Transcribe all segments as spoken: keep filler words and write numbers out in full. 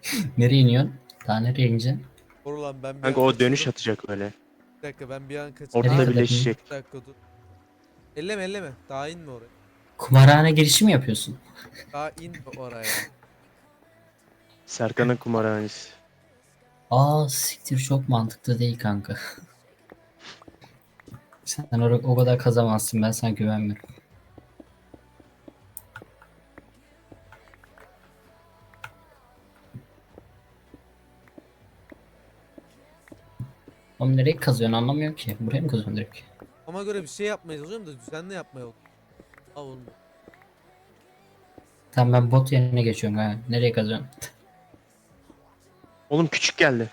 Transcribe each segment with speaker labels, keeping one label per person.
Speaker 1: Nereye iniyorsun? Daha nereye ineceksin?
Speaker 2: Dur lan ben bir
Speaker 3: Kanka
Speaker 2: an
Speaker 3: o dönüş
Speaker 2: kaçırdım.
Speaker 3: atacak öyle.
Speaker 2: Bir dakika ben bir an kaçırdım.
Speaker 3: Ortada
Speaker 1: Nereye
Speaker 2: Ha,
Speaker 1: kadar iniyorsun?
Speaker 3: birleşecek.
Speaker 2: bir dakika dur. Elleme elleme. Daha inme oraya.
Speaker 1: Kumarhane girişi mi yapıyorsun?
Speaker 2: Daha inme oraya.
Speaker 3: Serkan'ın kumarhanesi.
Speaker 1: Aa siktir, çok mantıklı değil kanka. Sen o, o kadar kazamazsın, ben sana güvenmiyorum. Oğlum nereye kazıyorsun anlamıyorum ki. Buraya mı kazıyorsun direkt?
Speaker 2: Ama göre bir şey yapmaya çalışıyorum da düzenli yapmaya bak. Al oğlum.
Speaker 1: Tamam, ben bot yerine geçiyorum ha. Nereye kazıyorsun?
Speaker 3: Oğlum küçük geldi.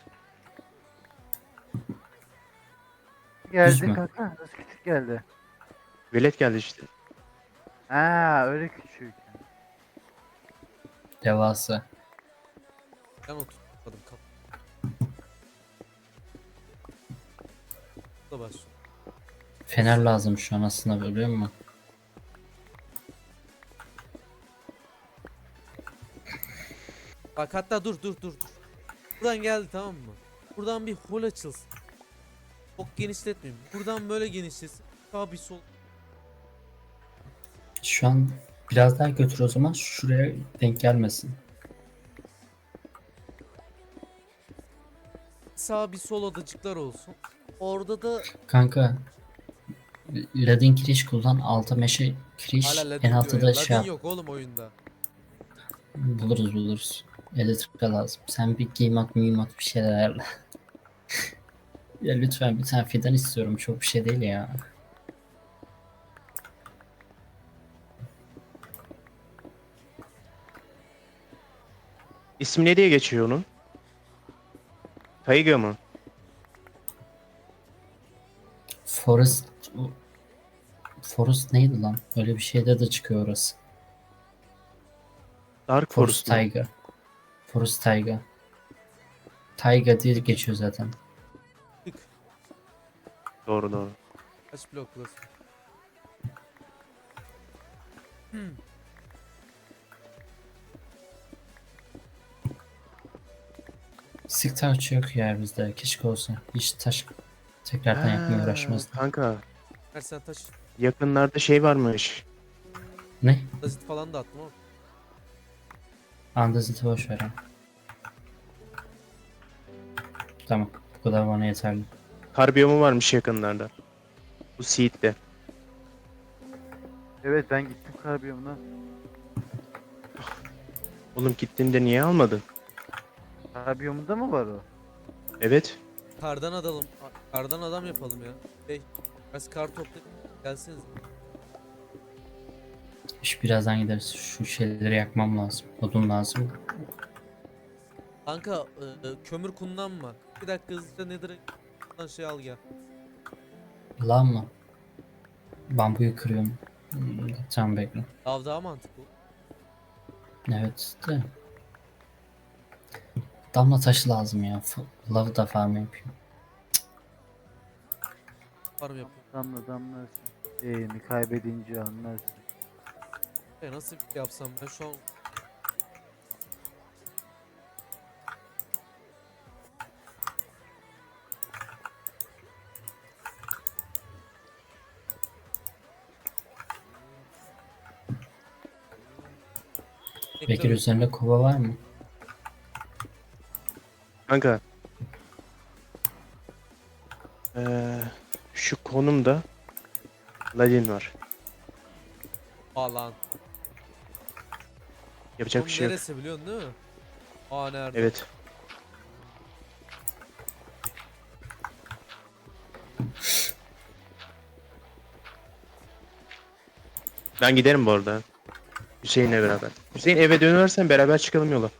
Speaker 1: Düz
Speaker 4: Geldi
Speaker 1: mü?
Speaker 4: kanka. Nasıl küçük geldi?
Speaker 3: Velet geldi işte.
Speaker 4: Ha öyle küçük.
Speaker 1: Devasa.
Speaker 2: Ben oturtmadım kap. Da başlıyor.
Speaker 1: Fener lazım şu an aslında, biliyor musun?
Speaker 2: Bak hatta dur dur dur dur. Buradan geldi tamam mı? Buradan bir hol açılsın. Çok genişletmeyeyim. Buradan böyle genişlesin. Sağ bir sol.
Speaker 1: Şu an biraz daha götür o zaman, şuraya denk gelmesin.
Speaker 2: Sağ bir sol odacıklar olsun. Orada da
Speaker 1: Kanka ladin kiriş kullan, alta meşe kiriş,
Speaker 2: hala
Speaker 1: en
Speaker 2: Ladin
Speaker 1: altta
Speaker 2: diyor
Speaker 1: da
Speaker 2: ya.
Speaker 1: şey
Speaker 2: Ladin
Speaker 1: yap.
Speaker 2: yok oğlum oyunda.
Speaker 1: Buluruz buluruz. Elektrika lazım. Sen bir giyim mühimmat bir şeyler ayarla. Ya lütfen bir tane fidan istiyorum. Çok bir şey değil ya.
Speaker 3: İsmi ne diye geçiyor onun? Taiga mı?
Speaker 1: Forest Forest neydi lan? Öyle bir şeyde de çıkıyor orası.
Speaker 3: Dark
Speaker 1: Forest
Speaker 3: Forest mu?
Speaker 1: Taiga. Forest Taiga. Taiga diye geçiyor zaten.
Speaker 2: Tık.
Speaker 3: Doğru doğru.
Speaker 2: Kaç blok burası?
Speaker 1: Sık taş yok ya bizde. Keşke olsa. Hiç taş tekrardan yapmaya
Speaker 3: Ha,
Speaker 1: uğraşmazdım.
Speaker 3: kanka
Speaker 2: Her sen taş.
Speaker 3: yakınlarda şey varmış.
Speaker 1: Ne?
Speaker 2: Dazit falan da attım ama.
Speaker 1: Andazit'i boş ver ha. Tamam. Bu kadar bana yeterli.
Speaker 3: Kar biyomu varmış yakınlarda. Bu Seed'de.
Speaker 4: Evet ben gittim karbiyomuna.
Speaker 3: Oğlum gittiğinde niye almadın?
Speaker 4: Karbiyomunda mı var o?
Speaker 3: Evet.
Speaker 2: Kardan adalım. Kardan adam yapalım ya. Hey. Biraz kar topla. Gelseniz.
Speaker 1: İş birazdan gideriz. Şu şeyleri yakmam lazım. Odun lazım.
Speaker 2: Kanka e, e, kömür kullanma. Bir dakika hızlıca nedir? Lan şey al gel.
Speaker 1: Lan mı? Bambuyu kırıyorum. Hmm, tamam bekle.
Speaker 2: Lav daha mantıklı.
Speaker 1: Evet de. Damla taşı lazım ya. F- Lavı da farm yapayım.
Speaker 2: Var mı yapıyor?
Speaker 4: Damla damlarsın. Eğimi kaybedince anlarsın.
Speaker 2: E, nasıl bir şey yapsam ben şu an
Speaker 1: Bekir
Speaker 2: Bekle,
Speaker 1: üzerinde kova var mı?
Speaker 3: Kanka. Ee, şu konumda Ladin var.
Speaker 2: Alan.
Speaker 3: Yapacak
Speaker 2: Oğlum
Speaker 3: bir şey yok.
Speaker 2: neresi biliyorsun değil mi? Aa nerede?
Speaker 3: Evet. Ben giderim bu arada. Hüseyin'le beraber. Hüseyin eve dönersen beraber çıkalım yola.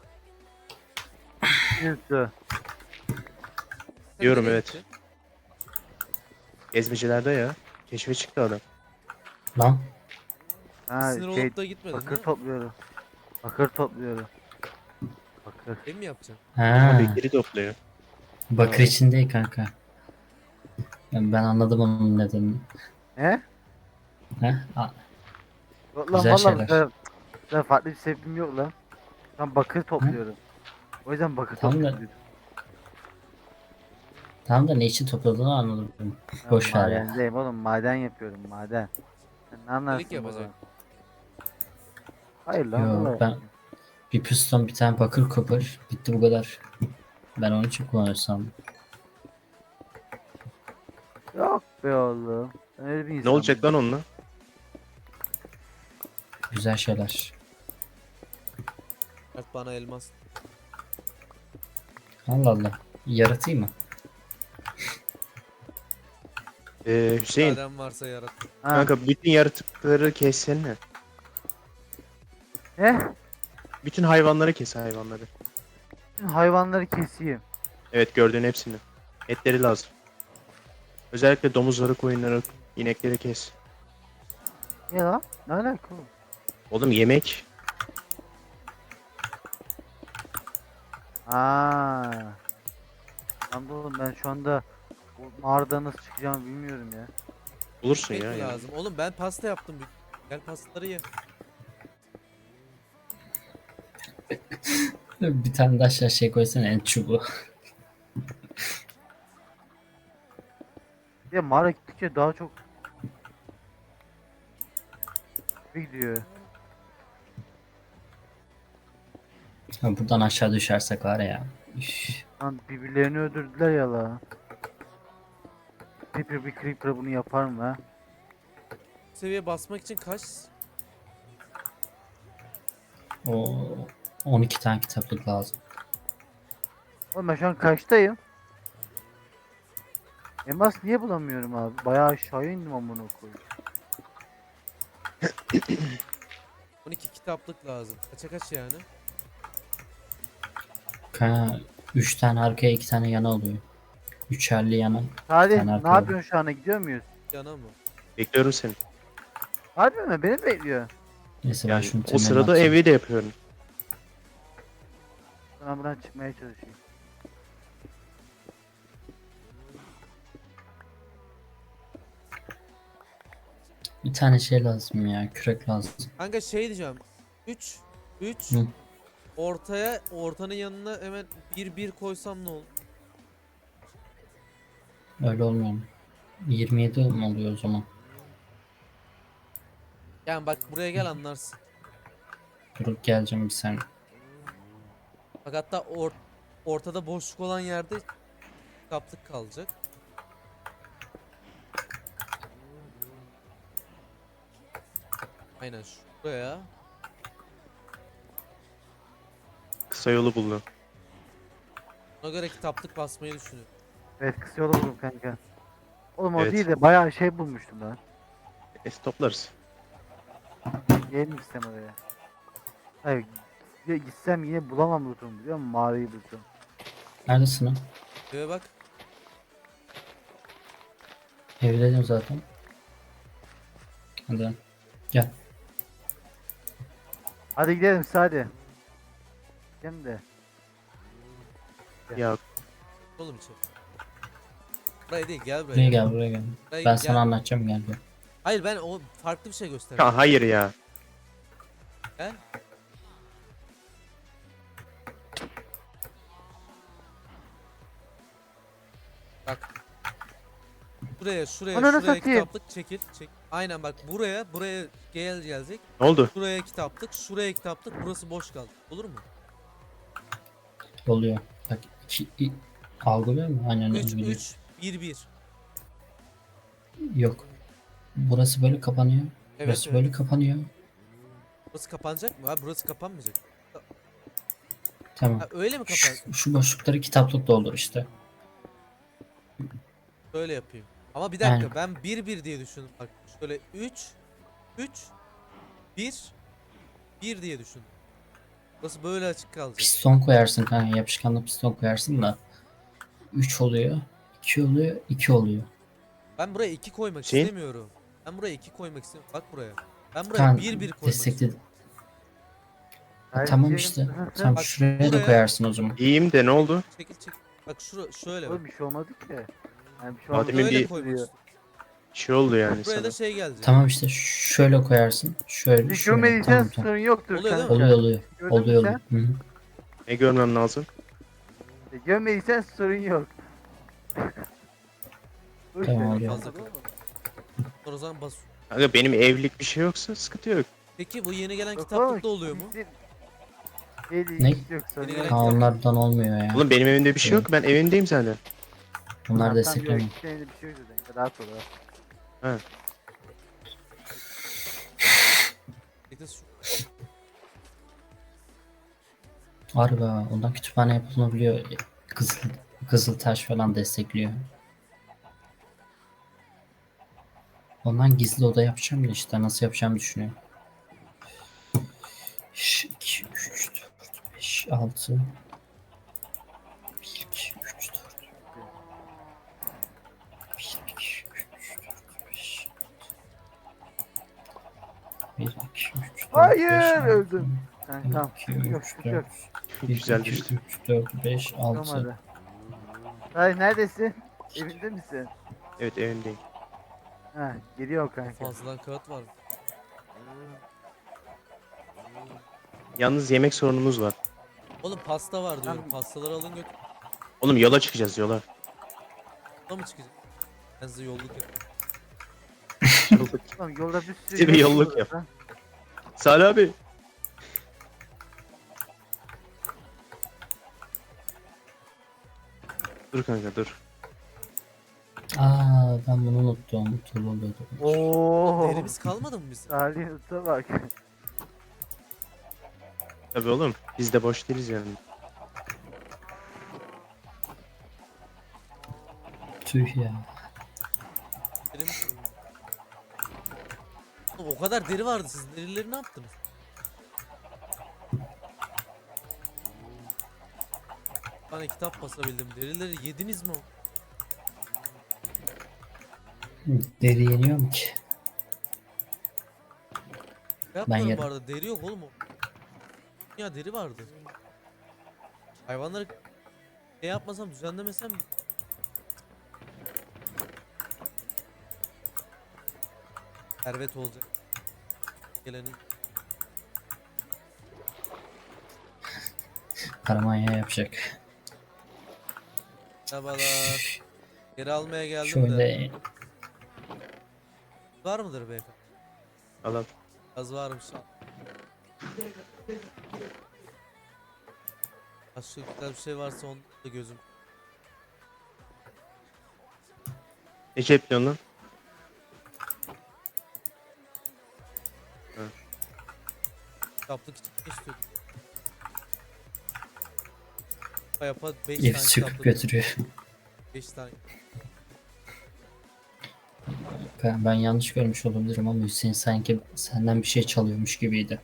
Speaker 4: Yoksa
Speaker 2: Sen
Speaker 3: Diyorum,
Speaker 2: nereye
Speaker 3: evet.
Speaker 2: gittin?
Speaker 3: Gezmecilerde ya. Keşfe çıktı adam.
Speaker 1: Lan.
Speaker 4: ha
Speaker 2: Sinir
Speaker 4: şey
Speaker 2: olup da gitmedin
Speaker 4: bakır
Speaker 2: değil mi?
Speaker 4: topluyorum. Bakır topluyorum. Bakır.
Speaker 2: Ev mi yapacaksın?
Speaker 1: Ha.
Speaker 3: Abi geri topluyor.
Speaker 1: Bakır için değil kanka. Ben ben anladım onun nedenini.
Speaker 4: He?
Speaker 1: Ha? A-
Speaker 4: Yok lan
Speaker 1: Güzel
Speaker 4: valla
Speaker 1: şeyler.
Speaker 4: ben, ben farklı bir sebebim yok lan. Ben bakır topluyorum. O yüzden bakır
Speaker 1: Tamam da-
Speaker 4: topluyorum.
Speaker 1: Tamam da ne için topladığını anladım.
Speaker 4: Ben
Speaker 1: Boş ver ya.
Speaker 4: madendeyim oğlum, maden yapıyorum, maden. Sen ne anlarsın
Speaker 2: Delik yapacak.
Speaker 4: baba? Hayır lan
Speaker 1: Yo,
Speaker 4: vallahi.
Speaker 1: ben bir piston bir tane bakır kopar. Bitti bu kadar. Ben onun için kullanırsam.
Speaker 4: Yok be oğlum. Ben öyle bir
Speaker 3: Ne
Speaker 4: insan
Speaker 3: olacak lan onunla?
Speaker 1: Güzel şeyler.
Speaker 2: Mert bana elmas.
Speaker 1: Allah Allah. Yaratayım mı?
Speaker 3: Ee, Hüseyin
Speaker 2: Madem varsa yarat.
Speaker 4: Ha,
Speaker 3: kanka bütün yaratıkları kessene.
Speaker 4: ne?
Speaker 3: Bütün hayvanları kes hayvanları.
Speaker 4: Bütün hayvanları keseyim.
Speaker 3: Evet gördüğün hepsini. Etleri lazım. Özellikle domuzları, koyunları, inekleri kes.
Speaker 4: Niye lan? Ne alaka oğlum?
Speaker 3: Oğlum yemek.
Speaker 4: Aa. Lan oğlum ben şu anda o mağaradan nasıl çıkacağımı bilmiyorum ya.
Speaker 3: Bulursun
Speaker 2: Ekmek
Speaker 3: ya.
Speaker 2: mi
Speaker 3: yani.
Speaker 2: lazım? Oğlum ben pasta yaptım. Gel pastaları ye.
Speaker 1: Bir tane de aşağı şey koysana en çubuğu.
Speaker 4: Ya mağara gittikçe daha çok gidiyor.
Speaker 1: Ha, buradan aşağı düşersek var ya. Üf.
Speaker 4: Lan birbirlerini öldürdüler ya la. Creeper bir Creeper bunu yapar mı ha?
Speaker 2: Seviye basmak için kaç?
Speaker 1: O on iki tane kitaplık lazım.
Speaker 4: Oğlum ben şu an kaçtayım? Elmas niye bulamıyorum abi? Bayağı aşağıya indim amına koyayım.
Speaker 2: on iki kitaplık lazım. Kaça kaç yani?
Speaker 1: Ha, üç tane arkaya iki tane yana oluyor. Üçerli yana.
Speaker 4: Hadi
Speaker 1: Sen
Speaker 4: ne
Speaker 1: arkaya
Speaker 4: yapıyorsun şu anda, gidiyor muyuz?
Speaker 2: Yana mı?
Speaker 3: Bekliyorum seni.
Speaker 4: Harbi mi? Beni mi bekliyor?
Speaker 1: Neyse ben
Speaker 3: Yani
Speaker 1: şunu
Speaker 3: o
Speaker 1: temeline
Speaker 3: sırada
Speaker 1: atayım.
Speaker 3: evi de yapıyorum.
Speaker 4: Ben buradan çıkmaya çalışayım.
Speaker 1: Bir tane şey lazım ya. Kürek lazım.
Speaker 2: Kanka şey diyeceğim. üç üç
Speaker 1: Hı.
Speaker 2: ortaya ortanın yanına hemen bir bir koysam ne olur?
Speaker 1: Öyle olmuyor mu? yirmi yedi mi oluyor o zaman?
Speaker 2: Yani bak buraya gel anlarsın.
Speaker 1: Durup geleceğim bir saniye.
Speaker 2: Bak hatta or ortada boşluk olan yerde kitaplık kalacak. Aynen şuraya.
Speaker 3: Kısa yolu buldum.
Speaker 2: Ona göre kitaplık basmayı düşünüyorum.
Speaker 4: Evet, kısa yolu buldum kanka. Oğlum o
Speaker 3: Evet.
Speaker 4: değil de bayağı şey bulmuştum lan.
Speaker 3: Es toplarız.
Speaker 4: Gelin gitsem oraya. Hayır, ya gitsem yine bulamam lootumu, biliyor musun? Mağarayı bulacağım.
Speaker 1: Neredesin lan?
Speaker 2: Eve bak.
Speaker 1: Evdeydim zaten. Hadi lan. Gel.
Speaker 4: Hadi gidelim siz, hadi. Gidelim de.
Speaker 3: Ya
Speaker 2: Oğlum içeri. Buraya değil gel buraya.
Speaker 1: Buraya gel buraya gel.
Speaker 2: Buraya
Speaker 1: Ben
Speaker 2: gel.
Speaker 1: sana anlatacağım gel. gel.
Speaker 2: Hayır ben o farklı bir şey gösterdim.
Speaker 3: Ya hayır ya.
Speaker 2: Gel. Bak. Buraya şuraya
Speaker 4: Ananı
Speaker 2: şuraya
Speaker 4: satayım.
Speaker 2: kitaplık çekil çek. Aynen bak buraya buraya gel gelecek.
Speaker 3: Ne oldu?
Speaker 2: Şuraya kitaplık, şuraya kitaplık, burası boş kaldı. Olur mu?
Speaker 1: Oluyor. Bak iki, i- algılıyor mu? Aynen
Speaker 2: üç
Speaker 1: biliyor.
Speaker 2: üç bir bir.
Speaker 1: Yok. Burası böyle kapanıyor.
Speaker 2: Evet,
Speaker 1: Burası
Speaker 2: evet.
Speaker 1: böyle kapanıyor.
Speaker 2: Burası kapanacak mı? Ha burası kapanmayacak.
Speaker 1: Tamam.
Speaker 2: Ha öyle mi kapan?
Speaker 1: Şu, şu boşlukları kitaplık doldur işte.
Speaker 2: Böyle yapayım. Ama bir dakika
Speaker 1: Aynen.
Speaker 2: ben bir bir diye düşündüm. Bak şöyle üç üç bir bir diye düşün. Burası böyle açık kalacak.
Speaker 1: Piston koyarsın kanka. Yapışkanlı piston koyarsın da. üç oluyor. iki oluyor. iki oluyor.
Speaker 2: Ben buraya iki koymak
Speaker 3: Şey?
Speaker 2: istemiyorum. Ben buraya iki koymak istemiyorum. Bak buraya. Ben buraya
Speaker 1: Kan
Speaker 2: bir bir koymak
Speaker 1: destekledim.
Speaker 2: istiyorum.
Speaker 1: Ha, tamam işte. Tamam
Speaker 2: Bak,
Speaker 1: şuraya
Speaker 2: buraya-
Speaker 1: da koyarsın o zaman.
Speaker 3: İyiyim de ne oldu?
Speaker 2: Çekil çekil. Bak şura şöyle bak.
Speaker 4: Oğlum bir şey olmadı ki. Yani bir şey
Speaker 3: Adem'in
Speaker 4: olmadı.
Speaker 2: Böyle
Speaker 3: bir-
Speaker 2: koymak
Speaker 4: diyor.
Speaker 2: istiyorum.
Speaker 3: Bir şey oldu yani
Speaker 2: Buraya da
Speaker 3: sana.
Speaker 2: şey gelecek.
Speaker 1: Tamam işte şöyle koyarsın. Şöyle
Speaker 4: Bir
Speaker 1: şöyle.
Speaker 4: görmediysen
Speaker 1: Tamam tamam.
Speaker 4: sorun yoktur
Speaker 2: Oluyor değil
Speaker 4: kanka.
Speaker 2: mi?
Speaker 1: Oluyor oluyor.
Speaker 4: Gördün mü
Speaker 1: Oluyor
Speaker 4: sen?
Speaker 1: oluyor. Hı hı.
Speaker 3: Ne görmem lazım?
Speaker 4: Gömmediysen sorun yok. Boş
Speaker 1: Tamam,
Speaker 4: ver,
Speaker 1: hocam.
Speaker 4: olmadı oğlum.
Speaker 2: O zaman bas.
Speaker 3: Kanka benim evlilik bir şey yoksa sıkıntı yok.
Speaker 2: Peki bu yeni gelen
Speaker 4: Yok
Speaker 2: kitaplıkta
Speaker 4: oğlum,
Speaker 2: oluyor mu?
Speaker 4: bizim el
Speaker 1: Ne?
Speaker 4: ilgisi yok sorun
Speaker 2: Yeni
Speaker 4: yok.
Speaker 2: gelen
Speaker 1: Ha, onlardan olmuyor ya.
Speaker 3: Oğlum benim evimde bir şey yok. Ben evimdeyim zaten.
Speaker 1: Bunlar
Speaker 4: Tamam, tamam, yok,
Speaker 1: desteklemiyor.
Speaker 4: iki senede bir şey yok zaten. Rahat ol. rahat.
Speaker 2: Peki şu-
Speaker 1: Harbi ha, ondan kütüphane yapılabiliyor. Kızıl, Kızıltaş falan destekliyor. Ondan gizli oda yapacağım da işte nasıl yapacağımı düşünüyorum. iki, üç, dört, beş, altı. bir, iki, üç, dört. bir, iki, üç, dört, beş. bir, iki, üç, dört,
Speaker 4: Hayır,
Speaker 1: beş, altı.
Speaker 4: öldüm. Ha,
Speaker 1: bir,
Speaker 4: tamam.
Speaker 1: iki,
Speaker 4: Yok,
Speaker 1: üç,
Speaker 4: yok.
Speaker 1: dört. bir,
Speaker 3: Güzel
Speaker 1: iki,
Speaker 3: düştü.
Speaker 1: üç, dört, beş, altı.
Speaker 4: Olmadı. Hayır, neredesin? Evinde misin?
Speaker 3: Evet evimdeyim.
Speaker 4: Ha, geliyor kanka.
Speaker 2: Fazladan kağıt var.
Speaker 3: Yalnız yemek sorunumuz var.
Speaker 2: Oğlum pasta var diyorum.
Speaker 4: Tamam.
Speaker 2: Pastaları alın götür.
Speaker 3: Oğlum yola çıkacağız yola.
Speaker 2: Da mı çıkacak? Ben size yolluk yapayım.
Speaker 4: Oğlum yolda bir sürü
Speaker 3: Bize bir
Speaker 4: yol
Speaker 3: yolluk
Speaker 4: var
Speaker 3: yap.
Speaker 4: lan.
Speaker 3: Salih abi. Dur kanka dur.
Speaker 1: Aa, ben bunu unuttum. Tulu oluyordu.
Speaker 4: Oo.
Speaker 2: Derimiz kalmadı mı bizim?
Speaker 4: Salih Usta bak.
Speaker 3: Tabii oğlum. Biz de boş değiliz yani.
Speaker 1: Tüh ya.
Speaker 2: Derimiz... Oğlum o kadar deri vardı, siz derileri ne yaptınız? Bir tane kitap basabildim. Derileri yediniz mi?
Speaker 1: Deri yeniyor mu ki?
Speaker 2: Yapmadım
Speaker 1: yerim.
Speaker 2: bu arada. Deri yok oğlum o. Ya deri vardı. Hayvanları şey yapmasam, düzenlemesem servet olacak. Gelenin.
Speaker 1: Karamanya yapacak.
Speaker 2: Merhabalar. Geri almaya geldim
Speaker 1: Şöyle
Speaker 2: de. Var mıdır beyefendi?
Speaker 3: Alalım.
Speaker 2: Az varmış. Başka güzel bir şey varsa onda da gözüm.
Speaker 3: Ne cepliyorsun lan?
Speaker 2: Kitaplık için ne istiyordum? Yapa beş
Speaker 1: ev
Speaker 2: tane
Speaker 1: çıkıp
Speaker 2: kitaplık.
Speaker 1: götürüyor.
Speaker 2: beş tane.
Speaker 1: Ben, ben yanlış görmüş olabilirim ama Hüseyin sanki senden bir şey çalıyormuş gibiydi.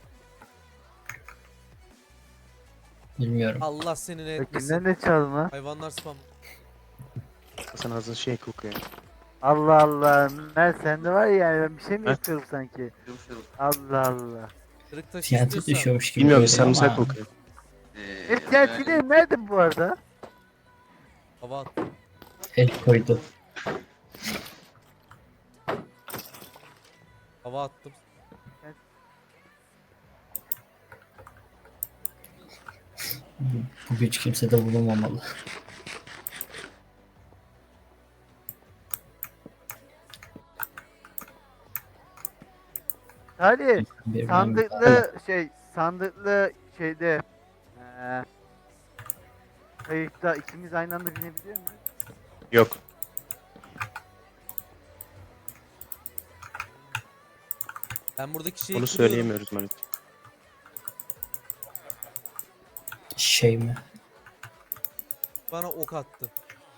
Speaker 1: Bilmiyorum.
Speaker 2: Allah senin etmesin.
Speaker 4: Kimden de çalma.
Speaker 2: Hayvanlar spam.
Speaker 3: Hasan ağzın şey kokuyor.
Speaker 4: Allah Allah. Mer sende var ya, yani ben bir şey mi
Speaker 3: Heh.
Speaker 4: yapıyorum sanki? Allah Allah.
Speaker 2: Kırık taş
Speaker 1: Tiyatro
Speaker 2: istiyorsan.
Speaker 1: düşüyormuş gibi.
Speaker 3: Bilmiyorum
Speaker 1: görünüyor
Speaker 3: sarımsak
Speaker 1: ama
Speaker 3: kokuyor.
Speaker 4: E tiyatro nerede bu arada?
Speaker 2: Hava at.
Speaker 1: el koydu.
Speaker 2: Hava attım.
Speaker 1: Bu güç kimsede bulunmamalı.
Speaker 4: Salih.
Speaker 1: Bir
Speaker 4: Sandıklı şey, sandıklı şeyde eee kayıkta ikimiz aynı anda binebiliyor muyuz?
Speaker 3: Yok.
Speaker 2: Ben buradaki şeyi
Speaker 3: Onu
Speaker 2: kırıyorum.
Speaker 3: söyleyemiyoruz maalesef.
Speaker 1: şey mi?
Speaker 2: Bana ok attı.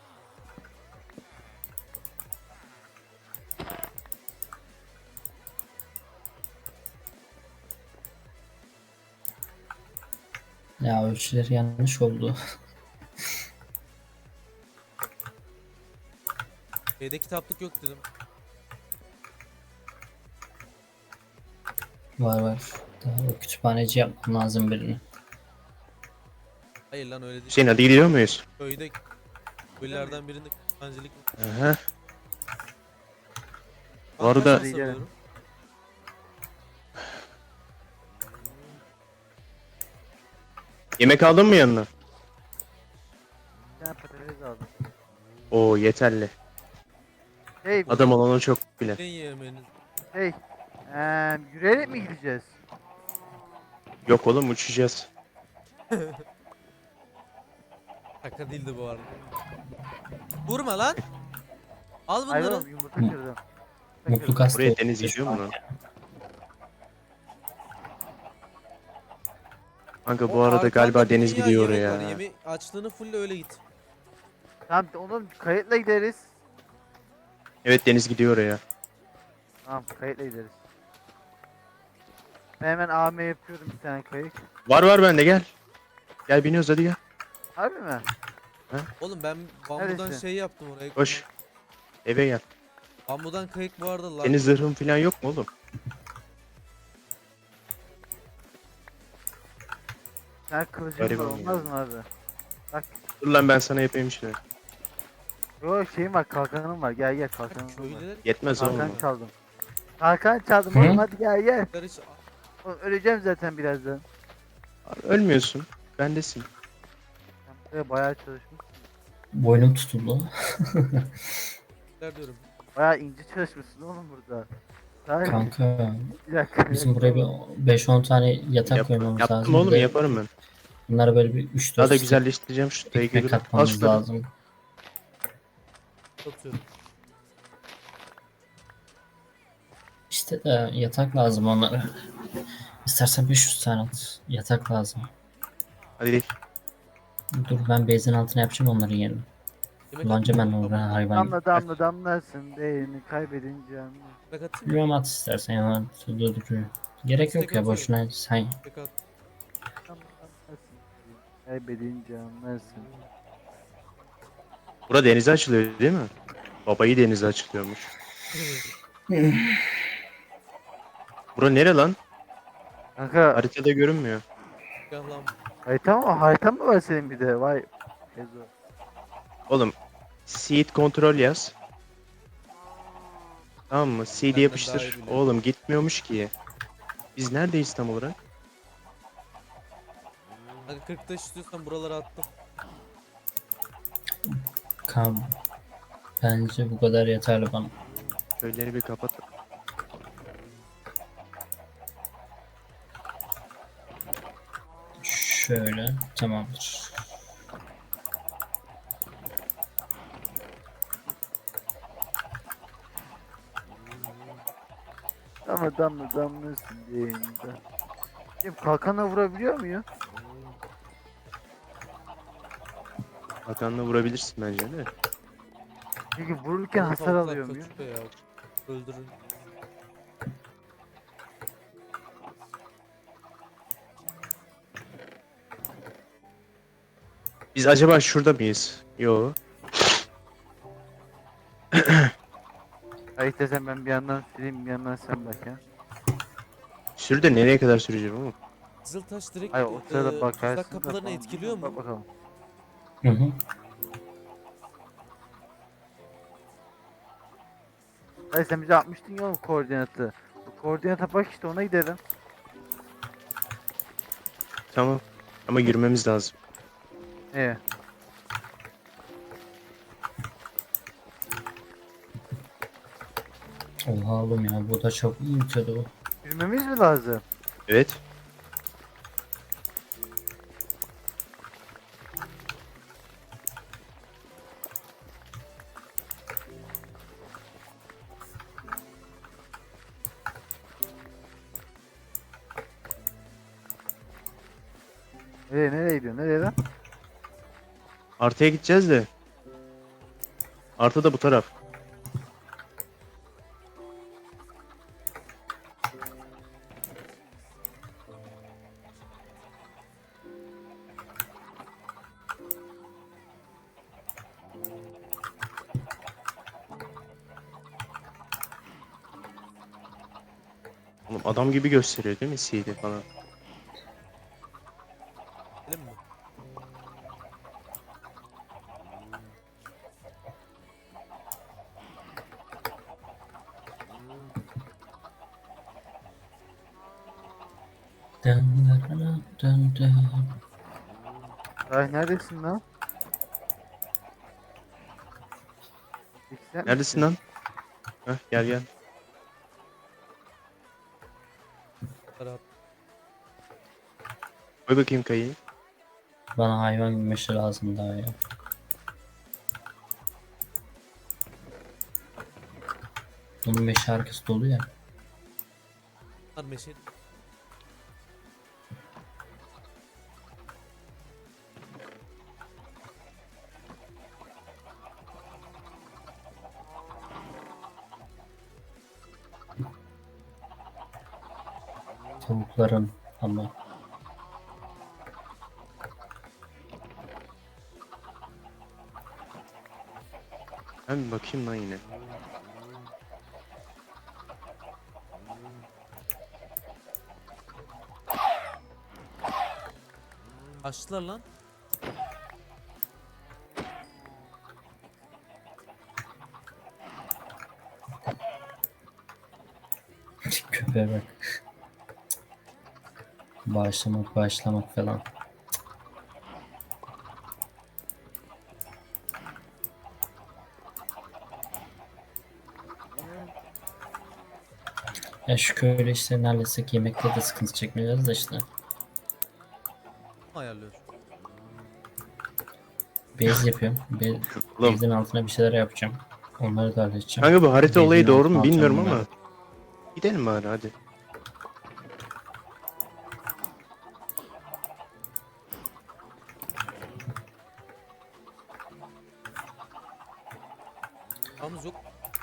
Speaker 1: Ya ölçüleri yanlış oldu.
Speaker 2: Şeyde kitaplık yok dedim.
Speaker 1: Var var. Daha o kütüphaneci yapmam lazım birini.
Speaker 2: Hayır lan öyle değil.
Speaker 3: Hüseyin hadi gidiyor muyuz?
Speaker 2: Köyde köylerden birinde kütüphanecilik var.
Speaker 3: Aha. Bu
Speaker 2: Ben kaç
Speaker 3: arada-
Speaker 2: masa alıyorum?
Speaker 3: Yemek aldın mı yanına?
Speaker 4: Bir tane patates aldım.
Speaker 3: Oo yeterli.
Speaker 4: Hey,
Speaker 3: Adam olana çok bile.
Speaker 2: Ne yemeniz?
Speaker 4: hey. Eee yürüyerek mi gideceğiz?
Speaker 3: Yok oğlum uçacağız.
Speaker 2: Şaka değildi bu arada. Vurma lan. Al
Speaker 4: Hayır
Speaker 2: bunları.
Speaker 4: oğlum yumurta kırdım. Yumurta
Speaker 1: Mutlu
Speaker 4: kırdım.
Speaker 1: kast
Speaker 3: Buraya
Speaker 1: oldu
Speaker 3: deniz
Speaker 1: şu
Speaker 3: gidiyor
Speaker 1: an.
Speaker 3: mu lan? Kanka
Speaker 2: O
Speaker 3: bu arada
Speaker 2: arkanda
Speaker 3: galiba
Speaker 2: bir
Speaker 3: deniz
Speaker 2: dünya
Speaker 3: gidiyor
Speaker 2: yemek var.
Speaker 3: oraya.
Speaker 2: Yeme açlığını fulle öyle git.
Speaker 4: Tamam oğlum kayıtla gideriz.
Speaker 3: Evet deniz gidiyor oraya.
Speaker 4: Tamam kayıtla gideriz. Ben hemen A M yapıyorum bir tane kayıt.
Speaker 3: Var var bende gel. Gel biniyoruz hadi gel.
Speaker 4: Harbi mi?
Speaker 2: Oğlum ben bambudan
Speaker 4: Neresi?
Speaker 2: şey yaptım oraya.
Speaker 3: Koş. Eve gel.
Speaker 2: Bambudan kayık bu arada lan.
Speaker 3: Senin zırhın falan yok mu oğlum?
Speaker 4: Sen kılıcın var
Speaker 3: Gariban
Speaker 4: olmaz mı abi? Bak.
Speaker 3: Dur lan ben sana yapayım işte.
Speaker 4: Yo şeyim var kalkanım var gel gel kalkanım var.
Speaker 2: Köylüler
Speaker 3: Yetmez oğlum.
Speaker 4: Kalkan çaldım. Kalkan çaldım
Speaker 1: Hı?
Speaker 4: oğlum hadi gel gel.
Speaker 2: hiç
Speaker 4: Oğlum, öleceğim zaten birazdan.
Speaker 3: Abi ölmüyorsun. Bendesin.
Speaker 4: Sen buraya bayağı çalışmışsın.
Speaker 1: Boynum tutuldu.
Speaker 2: Köylüler diyorum.
Speaker 4: Bayağı ince çalışmışsın oğlum burada. Hayır
Speaker 1: Kanka
Speaker 4: bir dakika.
Speaker 1: bizim buraya bir beş on tane yatak
Speaker 3: Yap,
Speaker 1: koymamız
Speaker 3: yaptım
Speaker 1: lazım.
Speaker 3: oğlum
Speaker 1: Bir de
Speaker 3: yaparım ben.
Speaker 1: bunlara böyle bir üç
Speaker 3: Daha
Speaker 1: dört
Speaker 3: da güzelleştireceğim şu
Speaker 1: ekmek
Speaker 3: dayı. Al
Speaker 1: katmamız
Speaker 3: şunları.
Speaker 1: lazım.
Speaker 2: Atıyorum.
Speaker 1: İşte de yatak lazım onlara. İstersen beş yüz tane at. Yatak lazım.
Speaker 3: Hadi gidelim.
Speaker 1: Dur ben bezin altına yapacağım onların yerini.
Speaker 2: Yemek
Speaker 1: Kullanacağım ben
Speaker 2: atayım mı?
Speaker 1: onu hayvan.
Speaker 4: Damla damla damlarsın değerini kaybedince anlar.
Speaker 2: Yemek atayım mı?
Speaker 1: Bilmem at istersen ya. Dur, dur, dur. Gerek yok ya boşuna sen
Speaker 2: Yemek at.
Speaker 4: Damla damlarsın değerini kaybedince anlarsın.
Speaker 3: Bura denize açılıyor değil mi? Babayı denize açılıyormuş. Bura nere lan?
Speaker 4: Kanka
Speaker 3: Haritada görünmüyor.
Speaker 2: Gel lan.
Speaker 4: harita mı? Harita mı var senin bir de? Vay. Ezo.
Speaker 3: Oğlum seed kontrol yaz. Tamam mı? Seed'i
Speaker 2: Benden daha
Speaker 3: yapıştır.
Speaker 2: iyi biliyorum.
Speaker 3: Oğlum gitmiyormuş ki. Biz neredeyiz tam olarak?
Speaker 2: Hadi kırk taş istiyorsan buralara attım.
Speaker 1: kan. Bence bu kadar yeterli bana.
Speaker 3: Köyleri bir kapat.
Speaker 1: Şöyle tamamdır.
Speaker 4: Damla damla damlarsın değerini de. Kim kalkana vurabiliyor muyum?
Speaker 3: Hakan'la vurabilirsin bence de.
Speaker 4: Çünkü vururken
Speaker 2: Oğlum
Speaker 4: hasar
Speaker 2: tavuklar
Speaker 4: alıyor muyum?
Speaker 2: kaçıyor ya. Öldürün.
Speaker 3: Biz acaba şurada mıyız? Yo.
Speaker 4: Ay desem ben bir yandan süreyim bir yandan sen bak ya.
Speaker 3: Sürü de nereye kadar süreceğim oğlum?
Speaker 2: Kızıltaş direkt
Speaker 4: Ay o sırada
Speaker 2: e,
Speaker 4: bakarsın.
Speaker 2: tuzak
Speaker 4: da
Speaker 2: kapılarını
Speaker 4: falan.
Speaker 2: etkiliyor
Speaker 4: Bak
Speaker 2: mu?
Speaker 4: bakalım.
Speaker 1: Hı hı.
Speaker 4: Ay sen bize atmıştın ya oğlum koordinatı. Bu koordinata bak işte ona gidelim.
Speaker 3: Tamam. Ama yürümemiz lazım.
Speaker 4: Ee,
Speaker 1: Oha oğlum ya bu da çok iyi bitiyordu bu.
Speaker 4: yürümemiz mi lazım?
Speaker 3: Evet.
Speaker 4: Nereye nereye gidiyorsun? Nereye lan?
Speaker 3: Artıya gideceğiz de. Artı da bu taraf. Oğlum adam gibi gösteriyor değil mi C D falan?
Speaker 2: Gidelim mi?
Speaker 1: Dın dın dın dın.
Speaker 4: Ay neredesin lan? İstem
Speaker 3: Neredesin lan? Heh, gel gel.
Speaker 2: Rahat.
Speaker 3: Koy bakayım kayıyı.
Speaker 1: Bana hayvan meşe lazım daha ya. Bunun meşe arkası dolu ya.
Speaker 2: Var meşe.
Speaker 1: Tavukların ama.
Speaker 3: Ben bir bakayım lan yine.
Speaker 2: Açtılar lan.
Speaker 1: Köpeğe bak. Bağışlamak bağışlamak falan. Ya şu köylü işlerini halletsek yemekte de sıkıntı çekmeyeceğiz de işte.
Speaker 2: Ayarlıyor.
Speaker 1: Base yapıyorum. Be
Speaker 3: Oğlum.
Speaker 1: base'in altına bir şeyler yapacağım. Onları da halledeceğim.
Speaker 3: Kanka bu harita
Speaker 1: Base'in
Speaker 3: olayı doğru
Speaker 1: altına
Speaker 3: mu bilmiyorum
Speaker 1: atacağım
Speaker 3: ama. Gidelim bari hadi.
Speaker 2: Yalnız yok.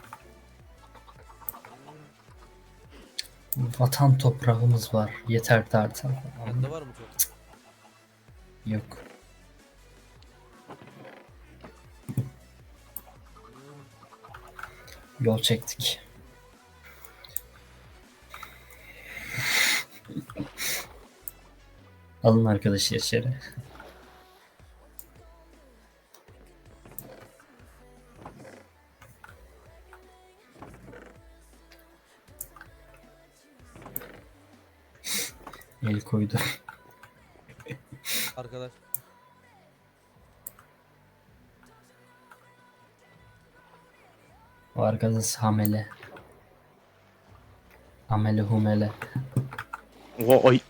Speaker 1: bunları. Vatan toprağımız var. Yeter tartar.
Speaker 2: Bende var mı çok?
Speaker 1: Yok. Yol çektik. Alın arkadaşı içeri. El koydu.
Speaker 2: Arkadaş.
Speaker 1: O arkadaş hamele. Amele humele.
Speaker 3: Oha ay.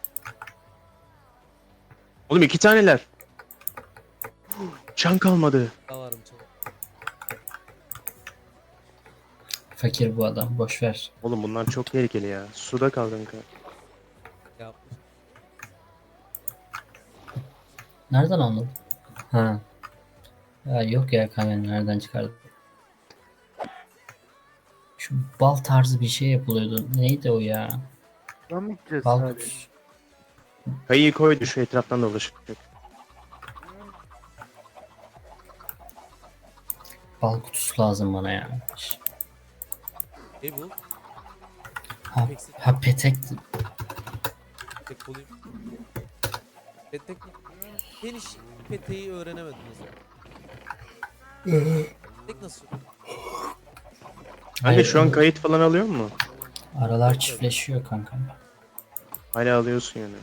Speaker 3: Oğlum iki taneler. Can kalmadı.
Speaker 2: Daha varım çok.
Speaker 1: Fakir bu adam. Boş ver.
Speaker 3: Oğlum bunlar çok tehlikeli ya. Suda kaldın kanka.
Speaker 2: Yapmış.
Speaker 1: Nereden anladın? Ha. Ya yok ya kamera nereden çıkardın? Şu bal tarzı bir şey yapılıyordu. Neydi o ya?
Speaker 4: Şuradan mı gideceğiz
Speaker 1: Bal
Speaker 4: sadece?
Speaker 1: kutusu.
Speaker 3: Kayıyı koydu şu etraftan dolaşıp.
Speaker 1: Bal kutusu lazım bana ya.
Speaker 2: Hey bu.
Speaker 1: Ha,
Speaker 2: Eksik.
Speaker 1: ha petek.
Speaker 2: Tek bulayım. Petek mi? Ben hiç peteği öğrenemedim mesela. Tek nasıl?
Speaker 3: Anne şu an kayıt falan alıyor mu?
Speaker 1: Aralar çiftleşiyor kanka.
Speaker 3: Hala alıyorsun yani.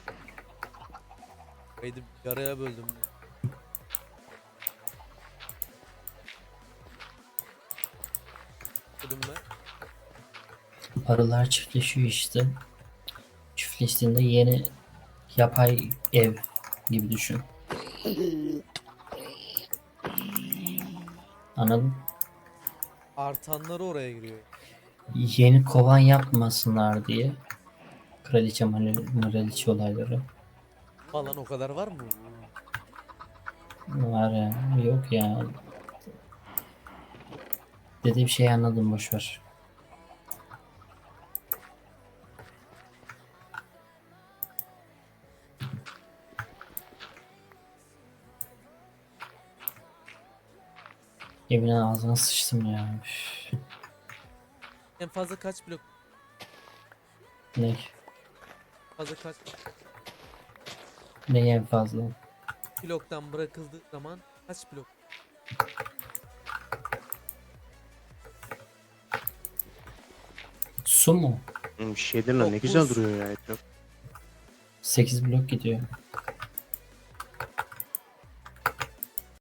Speaker 2: Kaydı yaraya böldüm. Dedim ben.
Speaker 1: Arılar çiftleşiyor işte. Çiftleştiğinde yeni yapay ev gibi düşün. Anladın?
Speaker 2: Artanları oraya giriyor.
Speaker 1: Yeni kovan yapmasınlar diye. Kraliçe Kraliçe olayları.
Speaker 2: Falan o kadar var mı?
Speaker 1: Var ya. Yok ya. Dediğim şeyi anladım boşver. Yemin ağzına sıçtım ya. Üf.
Speaker 2: En fazla kaç blok?
Speaker 1: Ne?
Speaker 2: Fazla kaç
Speaker 1: Ne en fazla?
Speaker 2: bloktan bırakıldığı zaman kaç blok?
Speaker 1: Su mu?
Speaker 3: Oğlum bir şeydir lan ne
Speaker 2: Yok,
Speaker 3: güzel
Speaker 2: buz.
Speaker 3: duruyor ya etraf.
Speaker 1: sekiz blok gidiyor.